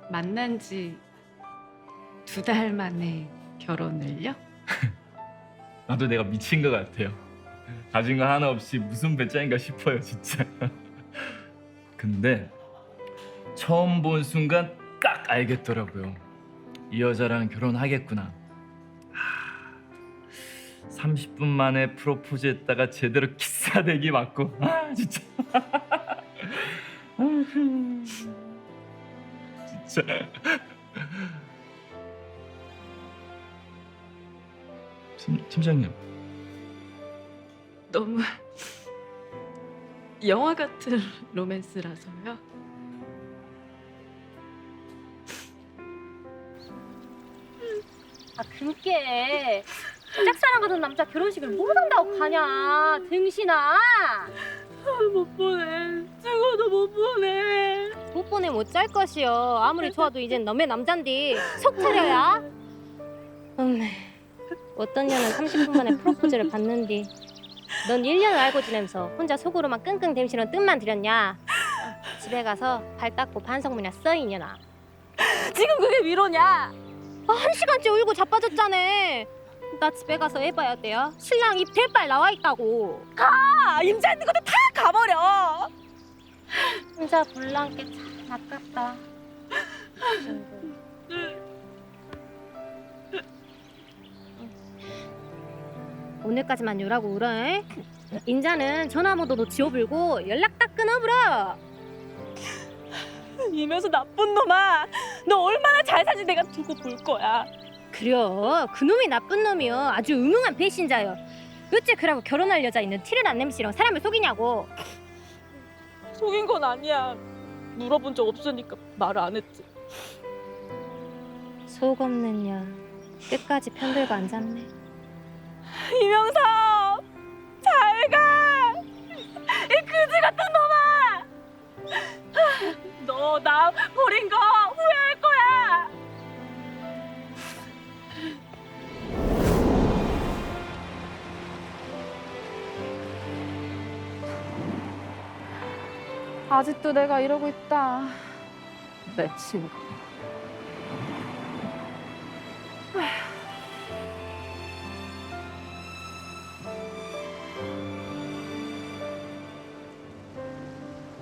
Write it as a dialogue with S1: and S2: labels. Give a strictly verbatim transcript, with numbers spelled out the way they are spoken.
S1: 만난 지 두 달 만에 결혼을요?
S2: 나도 내가 미친 것 같아요. 가진 거 하나 없이 무슨 배짱인가 싶어요, 진짜. 근데 처음 본 순간 딱 알겠더라고요. 이 여자랑 결혼하겠구나. 삼십 분 만에 프로포즈 했다가 제대로 키스하대기 맞고. 아, 진짜. 진짜. 팀, 팀장님.
S1: 너무 영화 같은 로맨스라서요.
S3: 아 그게 짝사랑 같은 남자 결혼식을 못 한다고 가냐 등신아.
S4: 못 보내. 죽어도 못 보내.
S3: 못 보내 못 짤 것이여. 아무리 좋아도 이젠 너의 남잔디 속 차려야. 음메 어떤 년은 삼십 분 만에 프로포즈를 받는디 넌 일 년을 알고 지내면서 혼자 속으로만 끙끙 댐시는 뜻만 들였냐. 집에 가서 발 닦고 반성문이나 써 이년아.
S4: 지금 그게 위로냐?
S3: 아, 한 시간째 울고 자빠졌잖아. 나 집에 가서 해봐야 돼요. 신랑 입 대빨 나와 있다고.
S4: 아, 임자 있는 것도 다 가버려.
S3: 혼자 불난게 참 아깝다. 오늘까지만 요라고 울어. 에? 인자는 전화번호도 지워불고 연락 딱 끊어불어.
S4: 이면서 나쁜 놈아. 너 얼마나 잘 사는지 내가 두고 볼 거야.
S3: 그려 그놈이 나쁜 놈이여. 아주 음흉한 배신자여. 어째 그러고 결혼할 여자 있는 티를 안 내미시러 사람을 속이냐고.
S4: 속인 건 아니야. 물어본 적 없으니까 말을 안 했지.
S3: 속 없는 년 끝까지 편들고 앉았네.
S4: 이명섭, 잘 가. 이 그지 같은 놈아. 너 나 버린 거 후회할 거야.
S5: 아직도 내가 이러고 있다. 내 친구.